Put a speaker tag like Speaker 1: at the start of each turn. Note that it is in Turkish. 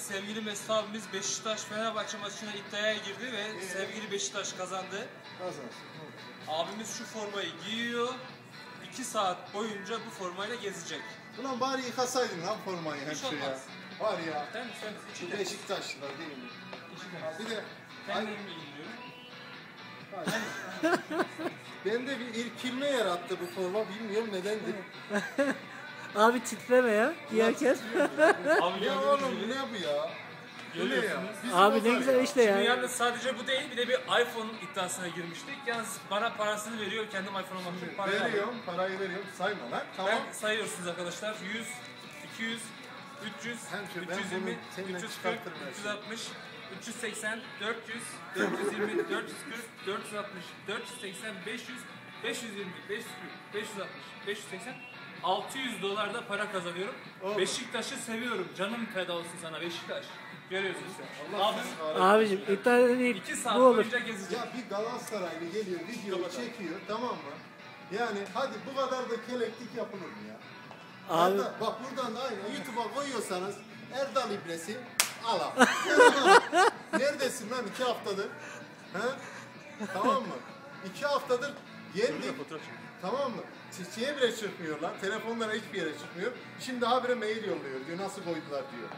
Speaker 1: sevgili Mesut abimiz Beşiktaş-Fenerbahçe maçına iddiaya girdi ve sevgili Beşiktaş kazandı. Abimiz şu formayı giyiyor. 2 saat boyunca bu formayla gezecek.
Speaker 2: Ulan bari yıkasaydın lan formayı
Speaker 1: Hiç
Speaker 2: hemşire ya.
Speaker 1: olmaz.
Speaker 2: Var ya.
Speaker 1: Sen
Speaker 2: Beşiktaşlılar değil mi? Bir de
Speaker 1: kendim ilgiliyorum.
Speaker 2: bende bir irkilme yarattı bu forma, bilmiyorum nedendir.
Speaker 3: Abi titreme ya giyerken.
Speaker 1: Abi
Speaker 2: Ya oğlum bu ne bu ya? Bu ne ya?
Speaker 1: Görüyorsunuz.
Speaker 2: Bizi
Speaker 3: Abi
Speaker 2: bozar
Speaker 3: ne güzel
Speaker 2: ya.
Speaker 3: işte
Speaker 1: Şimdi
Speaker 3: ya.
Speaker 1: yalnız sadece bu değil, bir de bir iPhone iddiasına girmiştik. Yalnız bana parasını veriyor, kendim iPhone almak için parayı alıyorum.
Speaker 2: Veriyorum, parayı veriyorum. Sayma lan. Tamam.
Speaker 1: Ben sayıyorsunuz arkadaşlar. 100, 200, 300,
Speaker 2: Hemşire, ben
Speaker 1: 320,
Speaker 2: bunu seninle
Speaker 1: 340,
Speaker 2: çıkartırım her şeyi.
Speaker 1: 360, 380, 400, 420, 440, 460, 480, 500, 520, 540, 560, 580, 600 dolar da para kazanıyorum.
Speaker 2: Oğlum.
Speaker 1: Beşiktaş'ı seviyorum. Canım feda olsun sana Beşiktaş. Görüyorsunuz.
Speaker 2: Allah
Speaker 1: Abim
Speaker 2: seni kahretsin.
Speaker 3: Abicim iddia değil
Speaker 1: 2 saat
Speaker 3: bu olur.
Speaker 1: boyunca gezecek.
Speaker 2: Ya bir Galatasaraylı geliyor, video çekiyor, tamam mı? Yani hadi bu kadar da keleklik yapılır mı ya?
Speaker 3: Abi
Speaker 2: Bak buradan da aynı YouTube'a koyuyorsanız Erdal İbresi al abi. Neredesin lan 2 haftadır? He? Tamam mı? 2 haftadır yendik. Tamam mı? Çiçeğe bile çıkmıyor lan. Telefonlara hiçbir yere çıkmıyor. Şimdi habire mail yolluyor diyor. Nasıl koydular diyor.